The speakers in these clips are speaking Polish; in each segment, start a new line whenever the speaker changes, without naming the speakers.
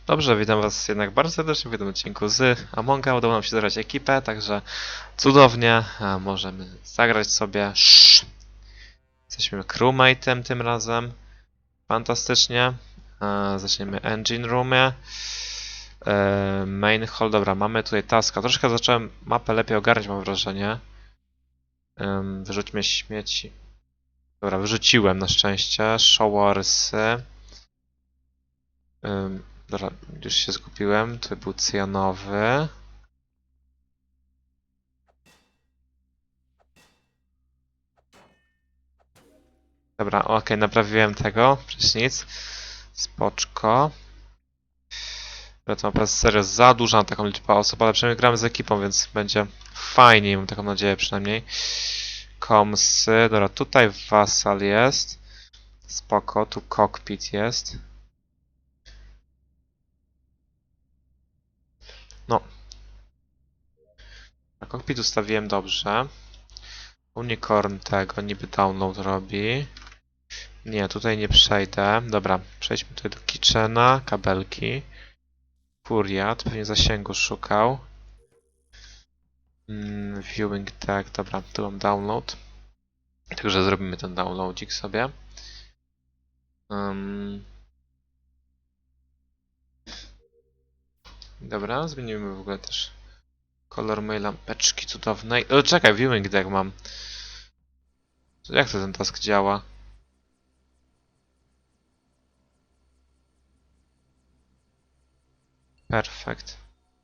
Dobrze, witam was jednak bardzo serdecznie w jednym odcinku z Amonga. Udało nam się zebrać ekipę, także cudownie. Możemy zagrać sobie. Jesteśmy crewmate'em tym razem. Fantastycznie. Zaczniemy engine roomie. Main hall, dobra, mamy tutaj taska. Troszkę zacząłem mapę lepiej ogarniać, mam wrażenie. Wyrzućmy śmieci. Dobra, wyrzuciłem na szczęście. Showersy. Dobra, już się zgubiłem. To był cyjanowy. Dobra, okej, naprawiłem tego. Prysznic. Spoczko. Dobra, to naprawdę serio za duża na taką liczbę osób, ale przynajmniej gramy z ekipą, więc będzie fajniej, mam taką nadzieję przynajmniej. Komsy. Dobra, tutaj Vassal jest. Spoko, tu cockpit jest. No. Na cockpit ustawiłem dobrze. Unicorn tego niby download robi. Nie, tutaj nie przejdę. Dobra, przejdźmy tutaj do kitchena, kabelki. Furiat, pewnie zasięgu szukał. Viewing tag, dobra, tu mam download. Także zrobimy ten downloadzik sobie. Dobra, zmienimy w ogóle też kolor mojej lampeczki cudownej. O, czekaj, viewing tag mam. Jak to ten task działa? Perfekt.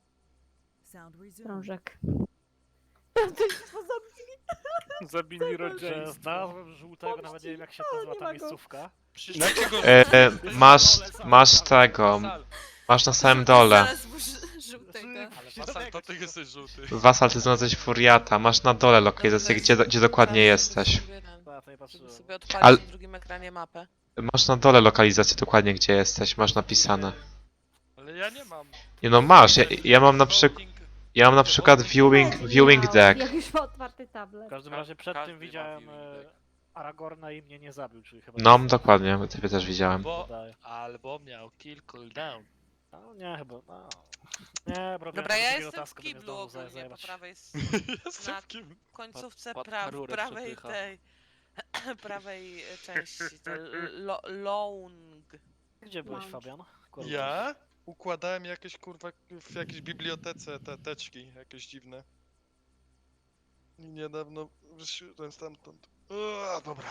Krążek.
Zabili Rogera. Znalazłem żółtego, nawet nie wiem jak się nazywa ta miejscówka.
Masz tego. Masz na samym dole.
Zaraz żółtego.
Ale
Wasal, to ty jesteś żółty.
Wasal, ty znalazłeś Furiata. Masz na dole lokalizację, gdzie dokładnie jesteś.
Ja to nie patrzyłem.
Sobie
Ale-
odpalić na drugim ekranie mapę.
Masz na dole lokalizację dokładnie, gdzie jesteś. Masz napisane.
Ale ja nie mam.
Nie no, masz. Ja mam na przykład viewing deck.
Jak już ma otwarty
W
tablet.
każdym razie przed
Każdy
tym
ma
widziałem
viewing deck.
Aragorna i mnie nie zabił, czyli chyba...
No, dokładnie. Ciebie też widziałem.
Albo miał kill cooldown.
No nie, chyba... No. Nie, bro,
Dobra, ja
drugiego
jestem w
taska, by mnie
kiblu
znowu
ogólnie, po
zajebać.
prawej
Jestem
na
w kim?
końcówce
Pod rurę
prawej
przepycha.
tej prawej części, to long.
Gdzie byłeś,
Lounge.
Fabian? Kurde.
Ja układałem jakieś kurwa w jakiejś bibliotece te teczki jakieś dziwne. I niedawno wyszedłem stamtąd. Dobra.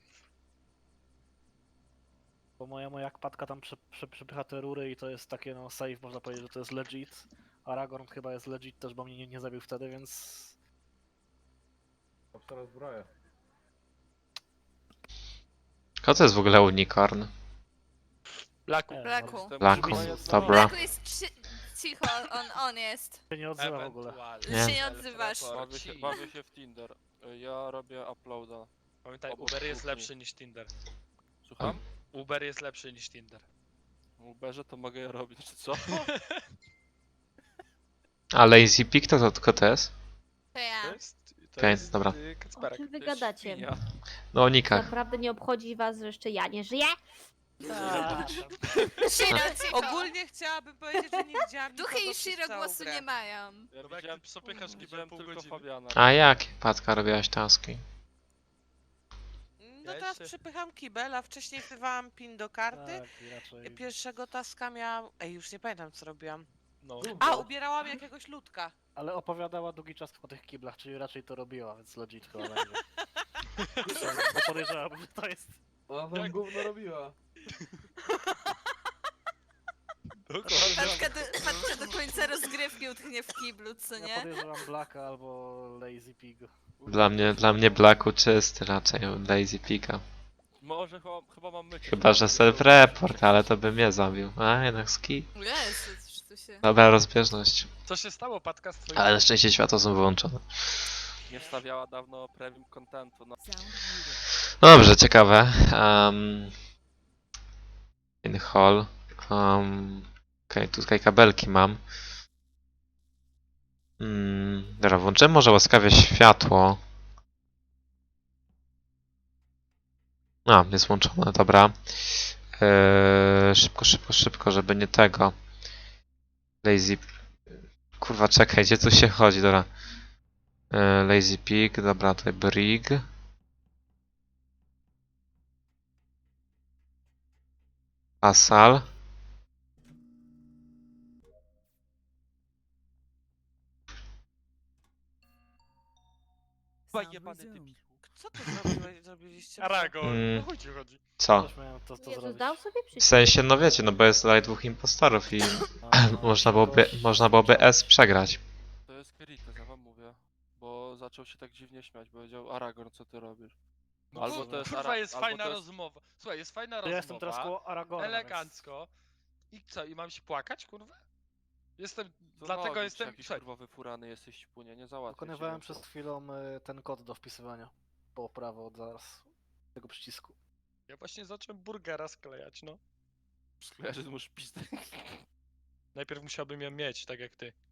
Bo moja kpatka tam przepycha te rury i to jest takie no safe, można powiedzieć, że to jest legit. Aragorn chyba jest legit też, bo mnie nie zabił wtedy, więc...
Teraz zbroję.
Kto to jest w ogóle unicorn?
Blaku.
Nie,
Blaku.
no,
Blaku.
oczywiście,
Dobra.
Blaku jest cicho, on jest.
się nie odzywa w ogóle.
Nie.
Się nie odzywasz.
Bawię się w Tinder. Ja robię uploada.
Pamiętaj,
Obok
Uber jest
kuchni.
lepszy niż Tinder.
Słucham?
Uber jest lepszy niż Tinder.
W Uberze to mogę je robić, czy co?
A Lazy Pig to tylko to jest?
To ja.
To
Okej,
jest
dobra.
O
Kacperek.
czym wy gadacie?
Świnia.
No o nikach.
Naprawdę nie obchodzi was, że jeszcze ja nie żyję?
Tak.
Shiro, cicho.
Ogólnie chciałabym powiedzieć, że nie widziałam
Duchy
nikogo
i Shiro
przez całą
głosu
grę.
nie mają.
Ja
Bo jak
widziałem,
ty przepychasz
widziałem
pół
tylko
godziny.
Fabiana.
A jak, Patka, robiłaś taski?
No
Ja
teraz
jeszcze-
przepycham kibel, a wcześniej wtywałam pin do karty.
Tak, i raczej...
Pierwszego taska miałam... Ej, już nie pamiętam co robiłam.
No.
A, ubierałam jakiegoś ludka.
Ale opowiadała długi czas o tych kiblach, czyli raczej to robiła, więc legit chyba będzie. Bo podejrzewam, że to jest...
Ona tam gówno robiła.
Patka do końca rozgrywki utknie w kiblu, co
Ja
nie?
podejrzewam Blacka albo Lazy Pig.
Dla mnie Blacku czysty raczej, Lazy Piga.
Może chyba mam mycie.
Chyba, że self-report, ale to by mnie zabił. A, jednak ski.
Jezu, coś tu się...
Dobra rozbieżność.
Co się stało, Patka, z twoim...
Ale na szczęście światła są wyłączone.
Nie wstawiała dawno premium contentu. No.
Dobrze, ciekawe. In hall. Okej, tutaj kabelki mam. Dobra, włączymy może łaskawie światło. A, jest włączone, dobra. Szybko, żeby nie tego. Lazy... Kurwa, czekaj, gdzie tu się chodzi, dobra. Lazy Pig, dobra, tutaj Brig. Asal.
Chyba jebany debilu.
Co to zrobiliście?
Aragorn,
Mm.
o chuj ci chodzi.
Co?
Też miałem to
Jezus,
zrobić.
dał sobie
W
przycisk.
sensie, no wiecie, no bo jest tutaj dwóch impostorów i
No,
można byłoby S przegrać.
To jest Kerites, ja wam mówię. Bo zaczął się tak dziwnie śmiać, powiedział Aragorn, co ty robisz?
No
Albo
kurwa,
to jest
kurwa, jest
albo
fajna
to jest-
rozmowa. Słuchaj, jest fajna
Ja
rozmowa.
jestem teraz koło Aragorna.
Elegancko. I co, i mam się płakać, kurwa? Jestem,
To
dlatego
mogę,
jestem...
Jakiś
Słuchaj,
kurwa wyfurany jesteś śpunie, nie załatwię
Wykonywałem
cię,
przed chwilą ten kod do wpisywania. Po prawo od zaraz tego przycisku.
ja właśnie zacząłem burgera sklejać, no.
Skojarzy, że masz pizdę.
Najpierw musiałbym ją mieć, tak jak ty.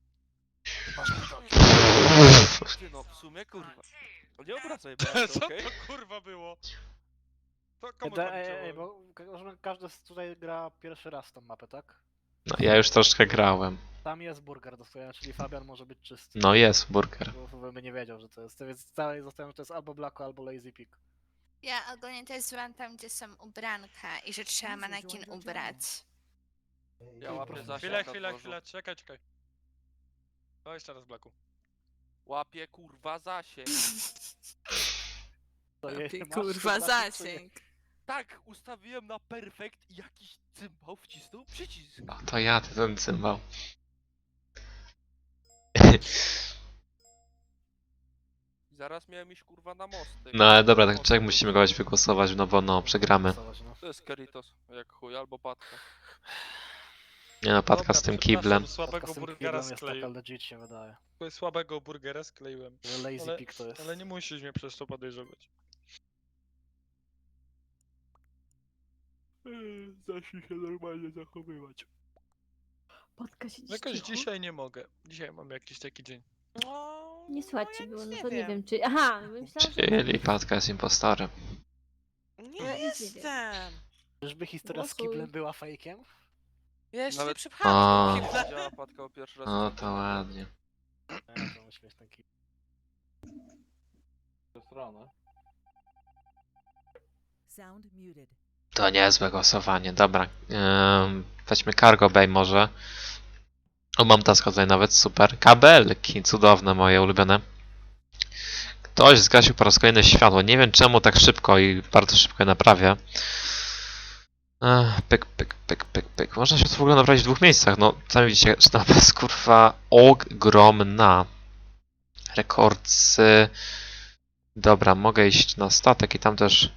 Ty no, w sumie kurwa. Nie obracaj
Co
bardzo, okej?
to kurwa było? To komu
Ej,
tam
bo każdy tutaj gra pierwszy raz tą mapę, tak?
No, ja już troszkę grałem.
Tam jest burger do stojenia, czyli Fabian może być czysty.
No jest burger.
Bo bym nie wiedział, że to jest. Więc dalej zostałem, że to jest albo Blacko, albo Lazy Pig.
Ja ogólnie też złam tam, gdzie są ubranka i że trzeba manekin ubrać.
Ja łapię zasięg
Chwilę,
na
chwilę,
dworzu.
chwilę, czekaj, czekaj. O, jeszcze raz Blaku.
Łapię kurwa zasięg.
To jej
Lepiej,
masz
kurwa,
to znaczy, czy nie?
zasięg.
Tak, ustawiłem na perfekt i jakiś cymbał wcisnął przycisk.
O, to ja, ty ten cymbał.
I zaraz miałem iść kurwa na mosty.
No ale dobra, tak czek musimy kogoś wygłosować, no bo no, przegramy.
Głosować, no.
To jest Keritos, jak chuj, albo Patka.
Nie no, Patka
Dobra,
z tym
przepraszam,
kiblem.
Słabego
Taka z tym
burgera
kiblem jest taka
skleiłem.
legit się wydaje.
Słabego burgera skleiłem.
Że Lazy
Ale-
Pig to jest.
Ale nie musisz mnie przez to podejrzewać.
Zacznij się normalnie zachowywać.
Patka się
Jakoś
cicho.
dzisiaj nie mogę. Dzisiaj mam jakiś taki dzień.
No,
Nie słychać
ja
ci było,
nic
no to nie wiem czy... Aha, myślałam, że...
Czyli Patka jest impostorem.
Nie
Ja
jestem.
Czyżby historia z
Głosuj.
kiblem była fejkiem?
Ja jeszcze nie
Nawet-
przypchałam
O.
tego kibla.
Widziała Patka o pierwszy raz.
No to ładnie.
Nie, to śmieszny kibel.
Sound muted.
To niezłe głosowanie, dobra. Weźmy Cargo Bay może. O, mam taska tutaj nawet, super. Kabelki, cudowne, moje ulubione. Ktoś zgasił po raz kolejny światło. Nie wiem czemu tak szybko i bardzo szybko je naprawię. Pyk, pyk, pyk, pyk, pyk. Można się to w ogóle naprawić w dwóch miejscach. No, sami widzicie, że ta jest kurwa ogromna. Rekordcy. Dobra, mogę iść na statek i tam też...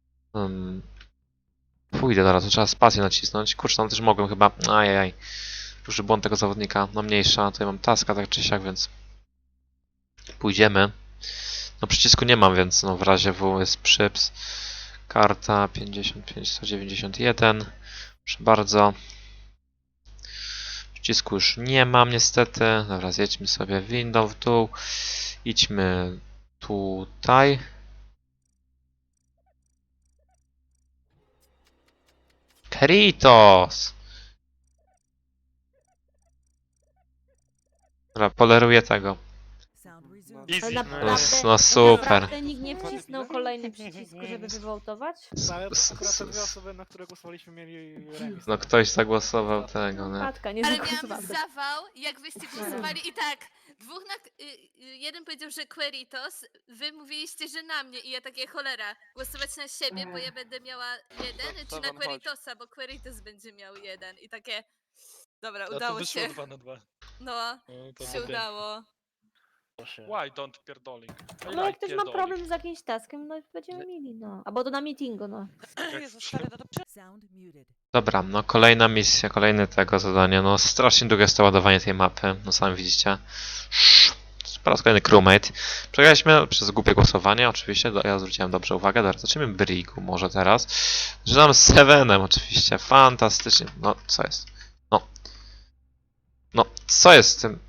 Pójdę teraz, to trzeba spację nacisnąć. Kurczę, tam też mogłem chyba... Ajajaj. Duży błąd tego zawodnika. No mniejsza, tutaj mam taska tak czy siak, więc... Pójdziemy. No przycisku nie mam, więc no w razie W jest przyps. Karta 55, 191. Proszę bardzo. Przycisku już nie mam niestety. Dobra, zjedźmy sobie windą w dół. Idźmy tutaj. Keritos! Dobra, poleruję tego.
Sound resumed.
Easy.
Ale
No,
naprawdę,
no super.
naprawdę nikt nie wcisnął kolejny przycisk, żeby wywołtować?
No, ale
S-
akurat te
s-
dwie osoby, na które głosowaliśmy, mieli remis.
No ktoś zagłosował tego, nie?
Patka, nie
Ale miałam
zagłosowała.
zawał, jak wyście głosowali i tak. Jeden powiedział, że Queritos, wy mówiliście, że na mnie i ja takie cholera, głosować na siebie, bo ja będę miała jeden, czy na
Sawan, chodź.
Queritosa, bo Queritos będzie miał jeden i takie. Dobra,
A to
udało
wyszło
się.
2 na 2.
No,
No, to
się
było
udało.
Why don't pierdoling? I
No jak
like
ktoś ma
pierdoling.
problem z jakimś taskiem, no będziemy mieli, no. Albo to na meetingu, no.
Jezu, stary, no to
Sound muted.
Dobra, no kolejna misja, kolejne tego zadanie. No strasznie długie jest to ładowanie tej mapy, no sami widzicie. Po raz kolejny crewmate. Przegraliśmy przez głupie głosowanie, oczywiście, ja zwróciłem dobrze uwagę. Dobra, zacznijmy Brigu może teraz. Żynam z Sevenem oczywiście, fantastycznie. No, co jest? No. No, co jest z tym?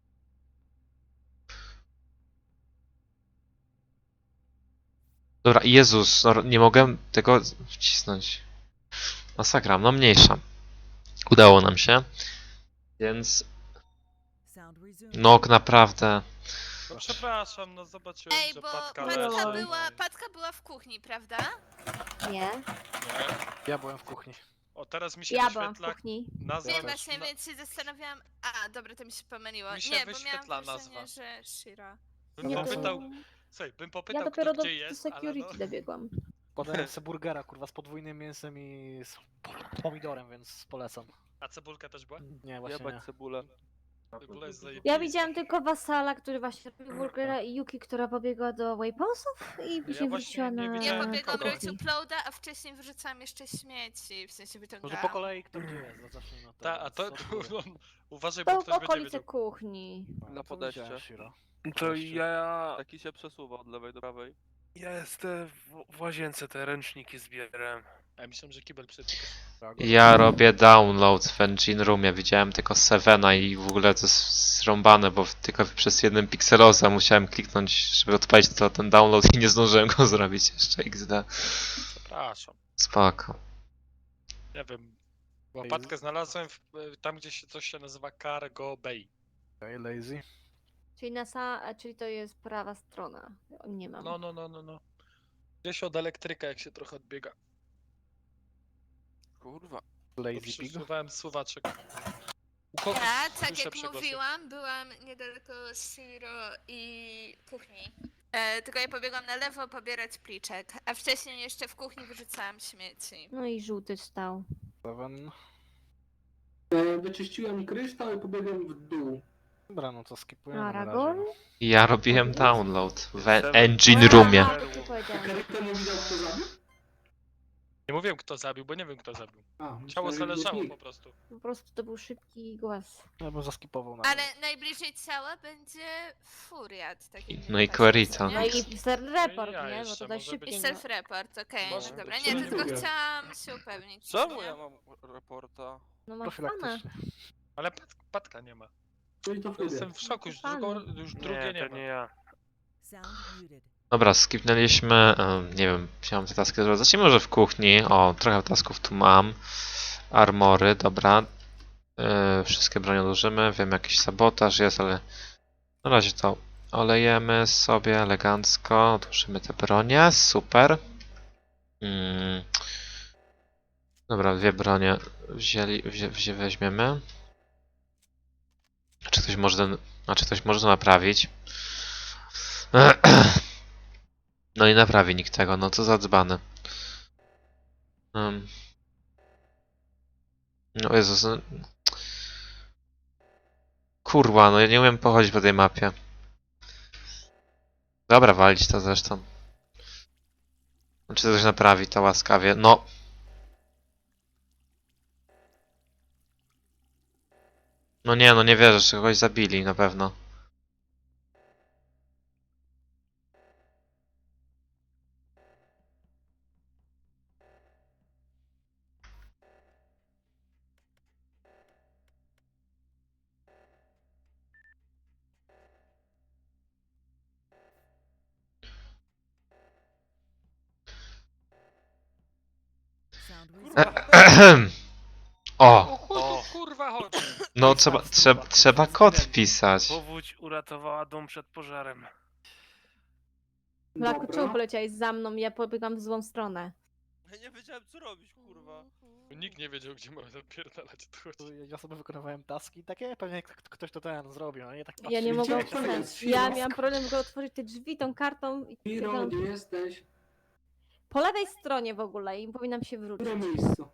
Dobra, Jezus, no, nie mogę tego wcisnąć. Masakra, no mniejsza. Udało nam się. Więc
Sound resumed.
no naprawdę.
No przepraszam, no zobaczyłem,
Ej,
że
bo
Patka
leży.
leży.
Patka była w kuchni, prawda?
Nie.
Nie.
Ja byłem w kuchni.
O, teraz mi się
Ja byłam w
wyświetla
kuchni.
nazwa.
Nie, właśnie, więc się zastanawiałam. A, dobra, to mi się pomyliło.
Mi się
Nie, bo
wyświetla
miałam wrażenie,
nazwa.
że Shira.
Bym
Nie,
popytał,
to...
słuchaj, bym
Ja
popytał,
dopiero
kto
do
gdzie jest, ale
security
no.
dobiegłam.
Podałem sobie burgera, kurwa, z podwójnym mięsem i z pomidorem, więc polecam.
A cebulka też była?
Nie, właśnie
Jebać
nie.
cebulę.
Cebula jest zajebista.
Ja widziałam tylko Wasala, który właśnie robił burgera i Yuki, która pobiegła do Wayposów i później
właśnie
wróciła
nie
na...
Ja
widziałem
pobiegłam
kogo.
robić uploada, a wcześniej wyrzucałam jeszcze śmieci, w sensie
Może
wyciągałam.
po kolei kto gdzie jest, no zacznijmy od tego.
Ta, a to,
Co ty mówisz?
uważaj, bo
To w
ktoś będzie
okolice
wiedział.
kuchni.
A,
Na
co
podejście.
widziałeś, Shiro?
To ja,
Taki się przesuwa od lewej do prawej.
ja jestem w łazience, te ręczniki zbieram.
A ja myślałem, że kibel przetyka.
Ja robię download w Engine Roomie. Widziałem tylko Sevena i w ogóle to jest zrąbane, bo tylko przez jeden pikseloza musiałem kliknąć, żeby odpalić ten download i nie zdążyłem go zrobić jeszcze XD.
Przepraszam.
Spoko.
Nie wiem. Łopatkę znalazłem tam, gdzie się coś się nazywa Cargo Bay.
Okej, lazy.
Czyli czyli to jest prawa strona. Nie mam.
No. Gdzieś od elektryka, jak się trochę odbiega.
Kurwa.
Lazy pig.
Przesuwałem suwaczek. U kogo
Ja, tak
słyszę
jak
przegłosy?
mówiłam, byłam niedaleko Shiro i kuchni. Tylko ja pobiegłam na lewo pobierać pliczek, a wcześniej jeszcze w kuchni wyrzucałam śmieci.
No i żółty stał.
Seven.
Wyczyściłem kryształ i pobiegłem w dół.
Dobra, no to skipujemy na
Aragorn?
razie.
Ja robiłem download w
Seven.
Engine
A,
Roomie.
to ty powiedziałeś.
Kerry temu widział, kto zabił?
Nie mówiłem, kto zabił, bo nie wiem, kto zabił.
A,
Ciało
myślałem, że
zależało
nikt.
po prostu.
Po prostu to był szybki głos.
Ja bym zaskipował na
Ale najbliżej ciała będzie Furiat. Taki
No i
patrz,
Querito.
nie?
No i self-report,
Ja
nie? Bo
jeszcze
to dość
może
szybkie,
I
być.
nie?
self-report, okej,
Może
no dobra.
być.
Nie,
Czyli
tylko
Furiat.
chciałam się upewnić.
Czemu
nie?
ja mam reporta?
No masz pana.
profilaktycznie.
Ale Patka nie ma.
Czyli to
Jestem
Furiat.
w szoku, już,
Fajne.
już drugie nie
to
ma.
nie ja.
Sound muted.
Dobra, skipnęliśmy, nie wiem, chciałem te taski zrobić. Zacznijmy może w kuchni. O, trochę tasków tu mam. Armory, dobra. Wszystkie bronie odłożymy. Wiem, jakiś sabotaż jest, ale na razie to olejemy sobie elegancko. Odłożymy te bronie, super. Dobra, dwie bronie weźmiemy. Czy ktoś może ktoś może to naprawić? No i naprawi nikt tego, no co za dzbany. No Jezus, no. Kurwa, no ja nie umiem pochodzić po tej mapie. Dobra, walić to zresztą. No, czy coś naprawi to łaskawie? No. No nie, no nie wierzę, że kogoś zabili, na pewno.
Sound
Kurwa,
resumed.
O,
kurwa, chodź.
no trzeba kod wpisać.
Powódź uratowała dom przed pożarem.
Blaku,
Dobra.
czemu poleciałeś za mną? Ja pobiegłam w złą stronę.
Ja nie wiedziałem co robić, kurwa.
Nikt nie wiedział, gdzie mamy zapierdalać. To chodzi.
Ja sobie wykonywałem taski takie, pewnie ktoś to ten zrobił, no nie tak
Ja nie
patrzę.
mogłam
Gdzie to
ten.
jest?
Ja
Shiro?
miałam problem, żeby otworzyć te drzwi tą kartą. I
Hiro, gdzie jesteś?
po lewej stronie w ogóle i powinnam się
W
wrócić.
którym miejscu?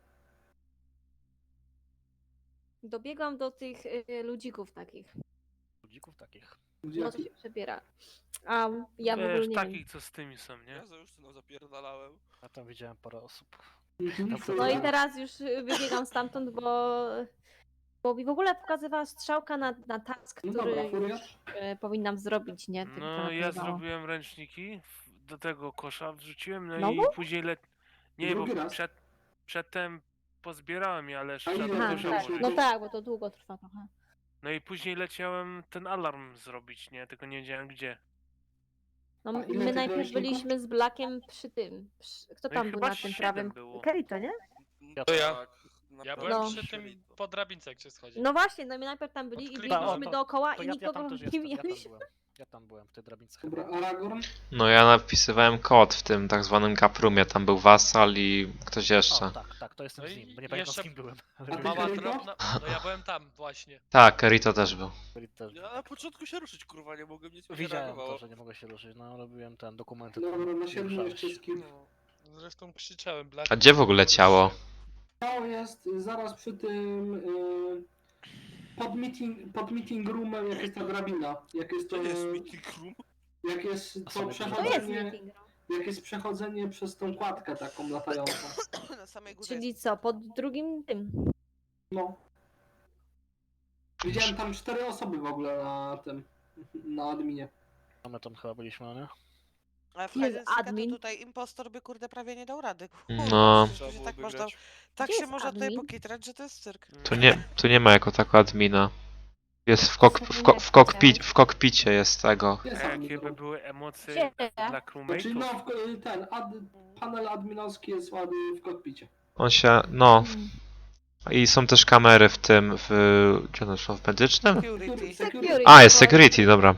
Dobiegłam do tych ludzików takich.
Ludzików takich.
Gdzie?
No to się przebiera. A ja w ogóle
Wiesz,
nie wiem.
takich co z tymi są, nie?
Ja za już syną zapierdalałem.
Ja tam widziałem parę osób.
Mhm,
Dobrze.
to
No i
ja.
teraz już wybiegam stamtąd, bo mi w ogóle pokazywała strzałka na task,
No
który
dobra, Furiat.
już powinnam zrobić, nie? Tylko
No ja
napływało.
zrobiłem ręczniki do tego kosza, wrzuciłem, no
Znowu?
i później Nie, bo
Drugi raz.
przedtem pozbierałem je, ale
A
trzeba
ile
do
Aha,
Dobrze,
kosza
tak.
dobrze.
włożyć.
No tak, bo to długo trwa trochę.
No i później leciałem ten alarm zrobić, nie? Tylko nie wiedziałem gdzie.
No
A ile
my
tych
najpierw
ręczników?
byliśmy z Blakiem przy tym. Kto
No i
tam był
chyba
na tym
7
prawym?
było.
Kerito, nie?
Ja
To ja.
tak.
Ja
naprawdę
byłem
No.
przy tym
Shirito.
po drabince, jak się schodzi.
No właśnie, no my najpierw tam byli i
Odklikam.
biegliśmy dookoła
To
i
ja
nikogo
tam też
nie
jestem, ja tam
mijaliśmy.
byłem. Ja tam byłem, w tej drabince
Dobra,
chyba.
Aragorn?
No ja napisywałem kod w tym tak zwanym Gaprumie, tam był Wasal i ktoś jeszcze.
O, tak, to jestem
No
z
i
nim, bo nie pamiętam
jeszcze-
z kim byłem. Ale
A ty,
Mała
Kerito?
drobna. No ja byłem tam właśnie.
Tak, Kerito też był.
byli też.
Ja na początku się ruszyć, kurwa, nie mogłem nic mi nie
Widziałem
reagowało.
to, że nie mogę się ruszyć, no robiłem ten dokumenty.
Dobra, na
i
7
ruszałeś.
jeszcze skip.
No. Zresztą krzyczałem. Blady,
A gdzie w ogóle ciało?
Ciało jest zaraz przy tym... pod meeting roomem, jak jest ta drabina. Jak jest to...
To jest meeting room?
Jak jest
A
to
sobie
To jest
przechodzenie...
meeting room.
Jak jest przechodzenie przez tą kładkę taką latającą.
Na samej górze
Czyli
jest.
co, pod drugim tym.
No. Widziałem tam 4 osoby w ogóle na tym... Na adminie.
No my tam chyba byliśmy, no nie?
A w
Jest
Hide and Seeka
admin.
to tutaj impostor by kurde prawie nie dał rady.
No.
Trzeba
że
było
tak można,
wygrać.
tak
Gdzie
się
jest
można tutaj
admin?
pokitrać, że to jest cyrk.
Tu nie ma jako tako admina. Jest w kokpicie jest tego.
Jest
A
admin
jakie by
room.
były emocje
Gdzie?
dla
Znaczy
crewmate'ów?
no, panel adminowski jest ładny w kokpicie.
On się, no. I są też kamery w tym, gdzie one są, w medycznym?
Security.
A, jest security, dobra.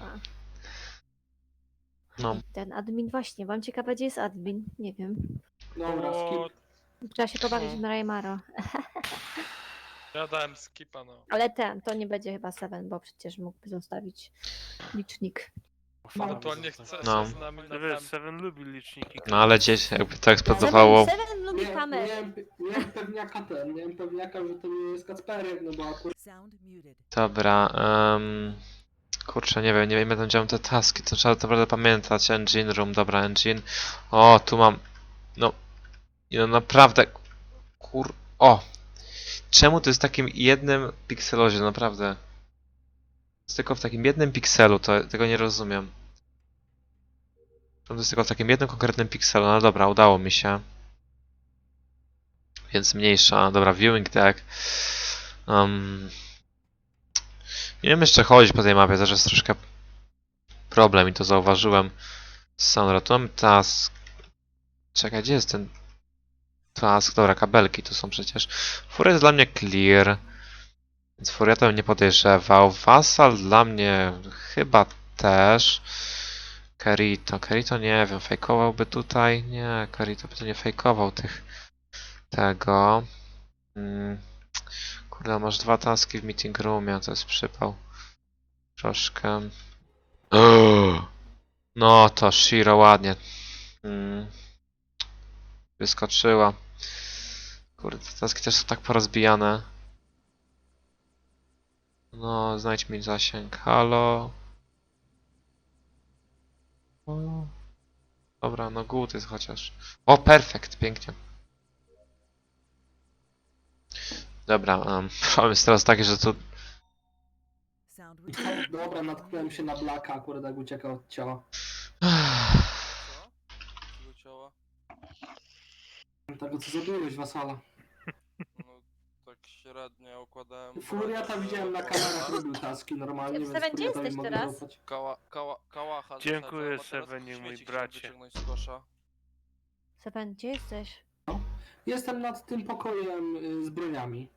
No.
Ten admin właśnie, wam ciekawe gdzie jest admin? Nie wiem.
Dobra,
O,
skip.
Trzeba się pobawić w Raymaro.
ja dałem skipa, no.
Ale to nie będzie chyba Seven, bo przecież mógłby zostawić licznik.
Ewentualnie chce
No.
się z nami
No wiesz,
naprawdę.
Seven lubi liczniki.
No ale gdzieś jakby to eksplodowało.
Seven lubi kamery.
Miałem pewniaka, że to nie jest Kacperek, no bo akurat
Sound muted.
Dobra, kurczę, nie wiem jak będą działały te taski, to trzeba naprawdę pamiętać. Engine room, dobra, engine. O, tu mam, no naprawdę, o! Czemu to jest w takim jednym pikselozie, naprawdę? Jest tylko w takim jednym pikselu, tego nie rozumiem. To jest tylko w takim jednym konkretnym pikselu, no dobra, udało mi się. Więc mniejsza, dobra, viewing deck. Nie wiem jeszcze chodzić po tej mapie, też jest troszkę problem i to zauważyłem. Sonra, tu mam task. Czekaj, gdzie jest ten task? Dobra, kabelki tu są przecież. Furia jest dla mnie clear, więc Furiata bym nie podejrzewał. Vassal dla mnie chyba też. Kerito nie wiem, fejkowałby tutaj? Nie, Kerito by to nie fejkował tego. Kurde, masz 2 taski w meeting roomie, to jest przypał. Troszkę. No to Shiro ładnie. Wyskoczyła. Kurde, te taski też są tak porozbijane. No, znajdź mi zasięg. Halo. O. Dobra, no good jest chociaż. O, perfekt, pięknie. Dobra, problem jest teraz taki, że tu...
Sound resumed.
dobra, natknąłem się na Blacka akurat jak uciekał od ciała.
Co? Tego ciała?
Tego co zabiłeś, Wasala.
No, tak średnio układałem...
Furiata widziałem na kamerach, robił taski normalnie, więc
Seven, gdzie
Furiatowi
jesteś
mogę
teraz?
zaufać.
Kałacha
Dziękuję,
zostawiam, a teraz
Sevenie, mój
śmieci chciałem
bracie.
wyciągnąć z kosza.
Seven, gdzie jesteś?
Jestem nad tym pokojem z broniami.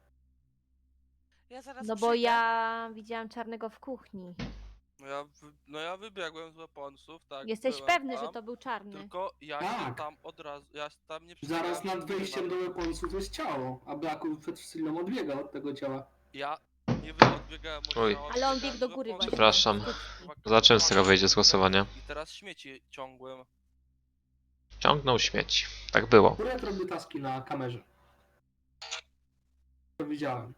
Ja zaraz
No bo
przyjdę.
ja widziałam czarnego w kuchni.
No ja wybiegłem z weaponsów, tak.
Jesteś
byłem
pewny,
tam,
że to był czarny?
Tylko ja
Tak.
się tam od razu, ja tam nie
Zaraz
przebiegałem,
nad wejściem do
nawet-
weaponsów jest ciało, a Blacku przed chwilą odbiegał od tego ciała.
Ja nie odbiegałem od
Oj.
ciała,
Ale on
odbiegałem
biegł
z
do góry
weaponsów.
Przepraszam.
Kurwa,
Zobaczymy, z tego wyjdzie z głosowania.
I teraz śmieci ciągłem.
Ciągnął śmieci. Tak było.
Furiat robił taski na kamerze. To widziałem.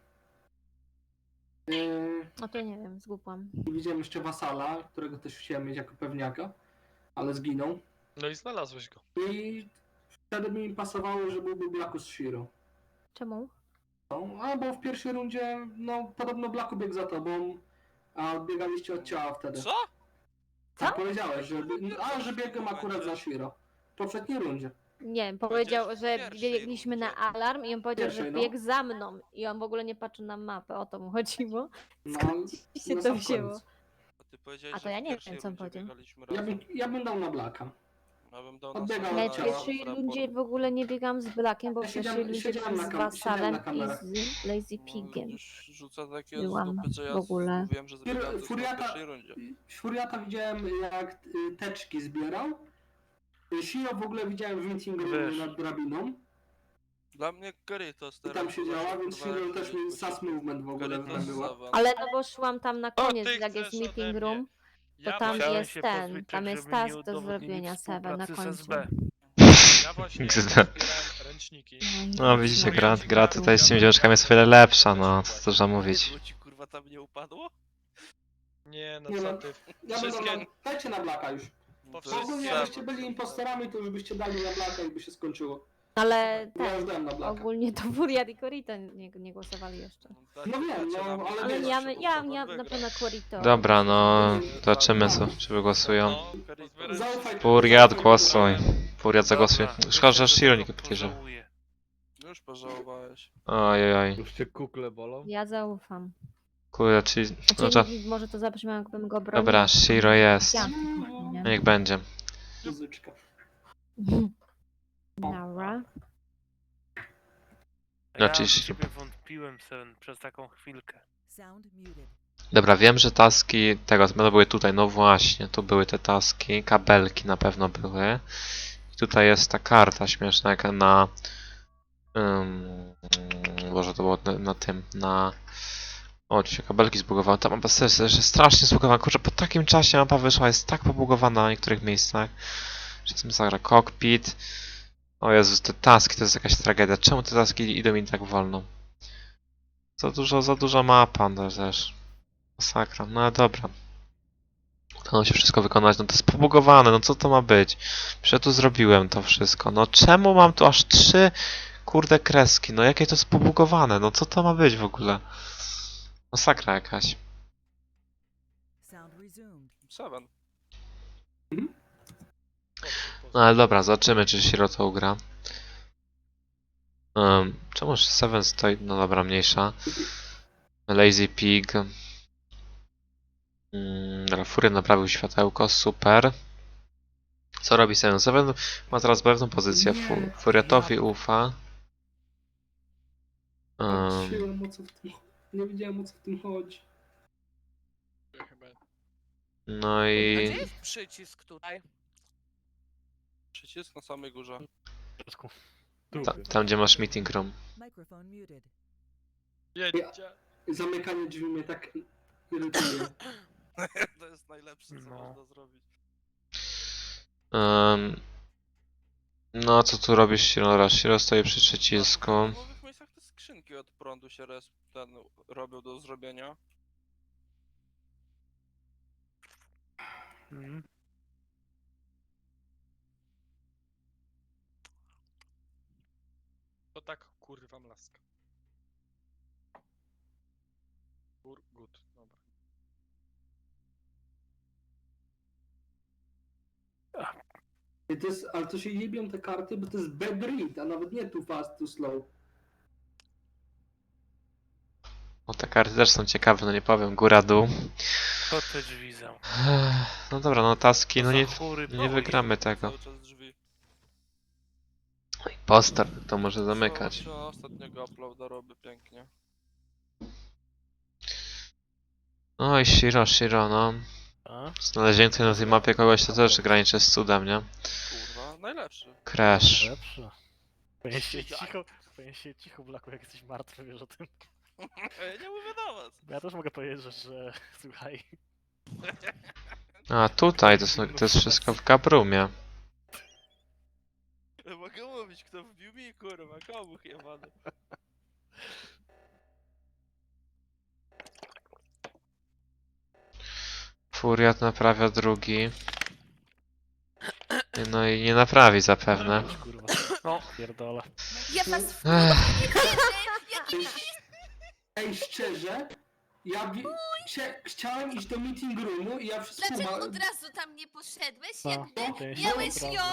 No to nie wiem, zgubłam.
Widziałem jeszcze Wasala, którego też chciałem mieć jako pewniaka, ale zginął.
No i znalazłeś go.
I wtedy mi pasowało, że byłby Blacku z Shiro.
Czemu?
No, a bo w pierwszej rundzie, no podobno Blacku biegł za tobą, a odbiegaliście od ciała wtedy.
Co?
Tak powiedziałeś, że biegłem akurat za Shiro. W poprzedniej rundzie.
Nie wiem,
Powiedziałeś
powiedział,
w
że
pierwszej
biegliśmy na
rundzie.
alarm i on powiedział, że
Pierwszej, no.
biegł za mną. I on w ogóle nie patrzył na mapę, o to mu chodziło.
No,
się
na
to
sam
wzięło?
koniec.
A ty powiedziałeś,
A to
że
ja
w
nie
pierwszej
wiem, co on
rundzie
powiedział.
biegaliśmy
Ja
razem.
bym dał na Blacka.
Ja bym dał
Odbiegał
Ja
od
w
ciała.
pierwszej rundzie w ogóle nie biegam z Blakiem, bo w
Ja
pierwszej rundzie
siedziałem
byłam z
siedziałem
Wasalem
na
i
kamerach.
z Lazy Pigiem.
Już rzucę takie
Byłam
z dupy, że ja
w ogóle.
mówiłem, że zbiegałem to w
Furiata,
pierwszej rundzie.
Furiata widziałem jak teczki zbierał. Shiro w ogóle widziałem w meeting roomie
Wiesz.
nad drabiną.
Dla mnie Caritas
I
teraz.
tam siedziała, więc
kurwa,
Shiro
jak
też mi sus movement w ogóle
Caritas
zrobiła.
Savan.
Ale no bo szłam tam na
O,
koniec,
ty
jak jest
chcesz ode
meeting
mnie.
room, to
Ja
tam
właśnie-
Chciałem
jest
się
ten,
pozbyć
tam
tak,
jest
żeby nie
task do
udowodnili
zrobienia Seven na
współpracy z
końcu.
SB.
Ja właśnie
XD.
zbierałem ręczniki.
No widzicie, gra tutaj z tymi dziewczynkami jest o wiele lepsza, no co dużo mówić.
Bo ci kurwa tam nie upadło?
Nie, no
Nie
co
no,
ty.
Ja bym
Wszystkie-
dał, dajcie na Blacka już.
No to
Wszystkie-
Ogólnie
jest
jakbyście
Savan.
byli impostorami, to już byście dali na Blacka i by się skończyło.
Ale
Bo ja
ten,
już dałem na Blacka.
ogólnie to Furiat i Corito nie głosowali jeszcze.
No wiem, no, ale
Ale
wiesz,
ja na pewno Corito.
Dobra, no zobaczymy czy wygłosują.
No, pozbierałem
Zaufaj.
wszystkie-
Furiat, głosuj. Furiat zagłosuj.
Dobra,
Szkoda, że
myślę,
Shiro
tego
nie podejrzewa.
pożałuję.
Już pożałowałeś.
Ojej,
Już cię kukle bolą?
Ja zaufam.
kurde, czyli... No,
Znaczy,
to...
może to zabrzmiało, jakbym go bronił.
Dobra, Shiro jest.
Ja,
No
nie?
niech będzie.
Muzyczka.
Dobra.
Ja
Znaczy,
w ciebie wątpiłem Seven przez taką chwilkę.
Sound muted.
Dobra, wiem, że taski tego będą były tutaj. No właśnie, tu były te taski. Kabelki na pewno były. I tutaj jest ta karta śmieszna, jak na... Boże, to było na tym, na... O, tu się kabelki zbugowały. Ta mapa też jest strasznie zbugowana. Kurczę, po takim czasie mapa wyszła, jest tak pobugowana na niektórych miejscach. Że tym zagra cockpit. O Jezus, te taski to jest jakaś tragedia. Czemu te taski idą mi tak wolno? Za duża mapa no też. Masakra. No ale dobra. Udało nam się wszystko wykonać. No to jest pobugowane, no co to ma być? Przecież ja tu zrobiłem to wszystko. No czemu mam tu aż 3 kurde kreski? No jakie to jest pobugowane? No co to ma być w ogóle? Masakra jakaś.
Sound resumed.
Seven.
No ale dobra, zobaczymy czy Shiro to ugra. Czemu 7 stoi? No dobra, mniejsza. Lazy Pig. Dobra, Furiat naprawił światełko, super. Co robi 7? 7 ma teraz pewną pozycję.
Nie.
Furiatowi ufa.
Patrzyłem, o co w tym... Nie wiedziałem, o co w tym chodzi.
Chyba.
No
A
i...
gdzie jest przycisk tutaj?
Przycisk na samej górze.
Tam gdzie masz meeting room.
Microphone muted.
Jedzie.
Zamykanie drzwi mnie tak irytuje.
To jest najlepsze, co
No.
można zrobić.
No co tu robisz, Shiro? Shiro stoi przy przycisku.
W nowych miejscach te skrzynki od prądu się robią do zrobienia.
Mhm.
To tak kurwa mlaska. Good, dobra.
I to jest, ale to się jebią te karty, bo to jest bad read, a nawet nie too fast, too slow.
No te karty też są ciekawe, no nie powiem. Góra, dół.
To te drzwi zamknął.
No dobra, no taski, no nie,
Zachury,
nie wygramy tego.
Cały czas drzwi.
Impostor, to może zamykać.
Co, ostatniego uploada robię pięknie.
No i Shiro, no.
A?
Znalezienie tutaj na tej mapie kogoś to też graniczy z cudem, nie?
Kurwa, najlepszy.
Crash.
Lepsze. Powinien się cicho, Blaku, jak jesteś martwy, wiesz o tym.
Ja nie mówię do was.
Bo ja też mogę powiedzieć, że słuchaj.
A tutaj to jest wszystko w Gabrumie.
Mogę mówić, kto wbił mi, kurwa, komu jebany.
Furiat naprawia drugi. No i nie naprawi zapewne.
Kurwa. No, pierdolę.
Ja was w
Ej, szczerze, chciałem iść do meeting roomu i ja wszystko
Dlaczego od razu tam nie poszedłeś?
No,
Jakby
to ja się
miałeś
obrażę.
ją